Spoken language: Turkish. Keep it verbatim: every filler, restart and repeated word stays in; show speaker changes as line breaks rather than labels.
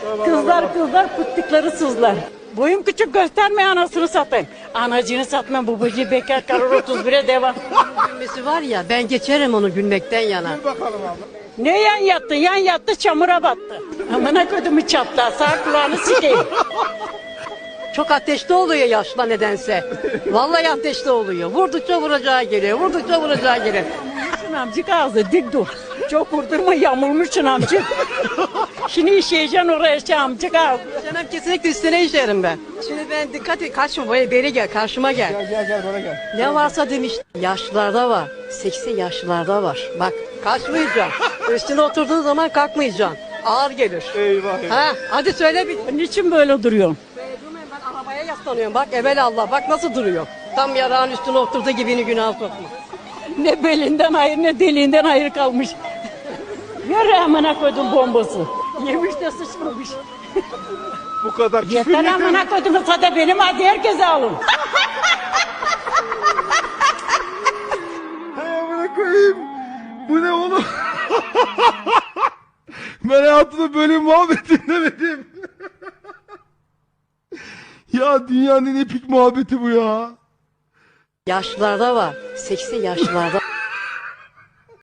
Kızlar kızlar pıttıkları sızlar. Boyum küçük gösterme anasını satayım. Anacını satma babacığı bekar karır otuz bire devam.
Gülmesi var ya ben geçerim onu gülmekten yana.
Ne yan yattı yan yattı çamura battı. Amına kodumu çatla sağ kulağını sikeyim.
Çok ateşli oluyor yaşla nedense. Vallahi ateşli oluyor. Vurdukça vuracağı geliyor. Vurdukça vuracağı geliyor.
Şun amcık ağzı dik dur. Çok vurdurma yamulmuşsun amcık. Şimdi işeyeceksin oraya şey amcık ağzı.
Canım kesinlikle üstüne işerim ben. Şimdi ben dikkat et kaçma böyle beri gel karşıma gel.
Gel gel gel bana gel.
Ne varsa demiş yaşlılarda var. Seksi yaşlılarda var. Bak kaçmayacaksın. Üstüne oturduğun zaman kalkmayacaksın. Ağır gelir.
Eyvah eyvah.
Ha, hadi söyle bir.
Niçin böyle duruyorsun?
Durmayın, ben arabaya yaslanıyorum. Bak evelallah bak nasıl duruyor. Tam yarağın üstüne oturduğu gibini günah sokma.
Ne belinden hayır ne deliğinden hayır kalmış. Yürü amına koydum bombası. Yemiş de sıçmamış.
Bu kadar küfür
Yeter
yeter.
amına koydum sada benim hadi herkese alın.
Hay amına koyayım. Bu ne oğlum? Ben hayatımda böyle bir muhabbet dinlemedim. Ya dünyanın en epik muhabbeti bu ya.
Yaşlılarda var. Seksi yaşlılarda